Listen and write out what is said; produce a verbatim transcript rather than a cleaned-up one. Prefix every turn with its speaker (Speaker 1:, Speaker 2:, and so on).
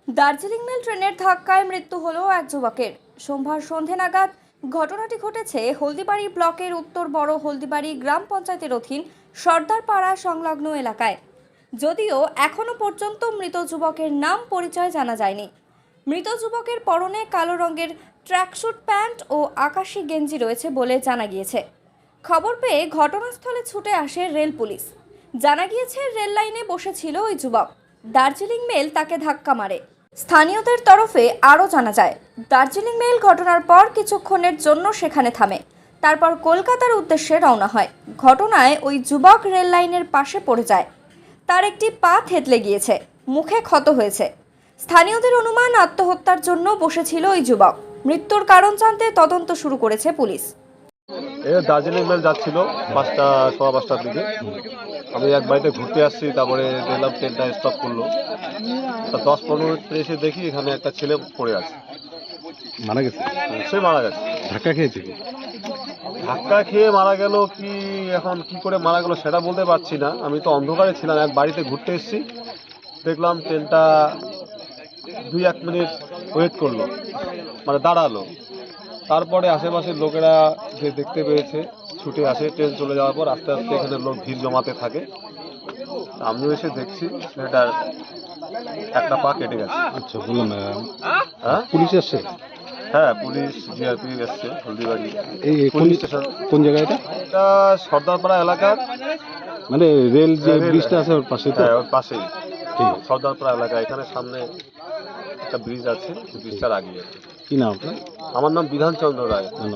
Speaker 1: Darjeeling mail ট্রেনের ধাক্কায় মৃত্যু হলো এক যুবকের। সোমবার সন্ধে নাগাদ ঘটনাটি ঘটেছে হলদিবাড়ি ব্লকের উত্তর বড় হলদিবাড়ি গ্রাম পঞ্চায়েতের অধীন সর্দারপাড়া সংলগ্ন এলাকায়। যদিও এখনো পর্যন্ত মৃত যুবকের নাম পরিচয় জানা যায়নি। মৃত যুবকের পরনে কালো রঙের ট্র্যাকস্যুট প্যান্ট ও আকাশি গেঞ্জি রয়েছে বলে জানা গিয়েছে। খবর পেয়ে ঘটনাস্থলে ছুটে আসে রেল পুলিশ। জানা গিয়েছে রেল লাইনে বসেছিল ওই যুবক। দার্জিলিং মেল তাকে ধাক্কা মারে। স্থানীয়দের তরফে আরও জানা যায়, দার্জিলিং মেল ঘটনার পর কিছুক্ষণের জন্য সেখানে থামে, তারপর কলকাতার উদ্দেশ্যে রওনা হয়। ঘটনায় ওই যুবক রেল লাইনের পাশে পড়ে যায়। তার একটি পা থেতলে গিয়েছে, মুখে ক্ষত হয়েছে। স্থানীয়দের অনুমান আত্মহত্যার জন্য বসেছিল ওই যুবক। মৃত্যুর কারণ জানতে তদন্ত শুরু করেছে পুলিশ।
Speaker 2: দার্জিলিং মেল যাচ্ছিল পাঁচটা সোয়া পাঁচটার দিকে। আমি এক বাড়িতে ঘুরতে আসছি, তারপরে দেখলাম ট্রেনটা স্টপ করলো। তা দশ পনেরো মিনিট এসে দেখি এখানে একটা ছেলে পড়ে আছে,
Speaker 3: মারা গেছে।
Speaker 2: সে মারা গেছে।
Speaker 3: ধাক্কা খেয়েছে কি?
Speaker 2: ধাক্কা খেয়ে মারা গেল কি, এখন কি করে মারা গেল সেটা বলতে পারছি না। আমি তো অন্ধকারে ছিলাম, এক বাড়িতে ঘুরতে এসেছি, দেখলাম ট্রেনটা দুই এক মিনিট ওয়েট করলো, মানে দাঁড়ালো। তারপরে আশেপাশের লোকেরা যে দেখতে পেয়েছে ছুটে আসে। ট্রেন চলে যাওয়ার পর আস্তে আস্তে এখানে লোক ভিড় জমাতে থাকে। আমিও এসে দেখছি ছেলেটার একটা পা কেটে গেছে।
Speaker 3: আচ্ছা, বললাম
Speaker 2: হ্যাঁ,
Speaker 3: পুলিশ এসছে।
Speaker 2: হ্যাঁ, পুলিশ জিআরপি এসছে হলদিবাড়ি
Speaker 3: এই
Speaker 2: পুলিশ
Speaker 3: পুলিশ
Speaker 2: স্টেশন।
Speaker 3: কোন জায়গায় এটা?
Speaker 2: এটা সর্দারপাড়া এলাকার,
Speaker 3: মানে রেল যে
Speaker 2: রেল-
Speaker 3: ব্রিজটা আছে ওর পাশে তো?
Speaker 2: হ্যাঁ, ওর পাশেই
Speaker 3: ঠিক আছে।
Speaker 2: সর্দারপাড়া এলাকা। এখানে সামনে একটা ব্রিজ আছে, ব্রিজটার আগে।
Speaker 3: কি নাম আপনার?
Speaker 2: আমার নাম বিধানচন্দ্র রায়।
Speaker 3: ধন্যবাদ।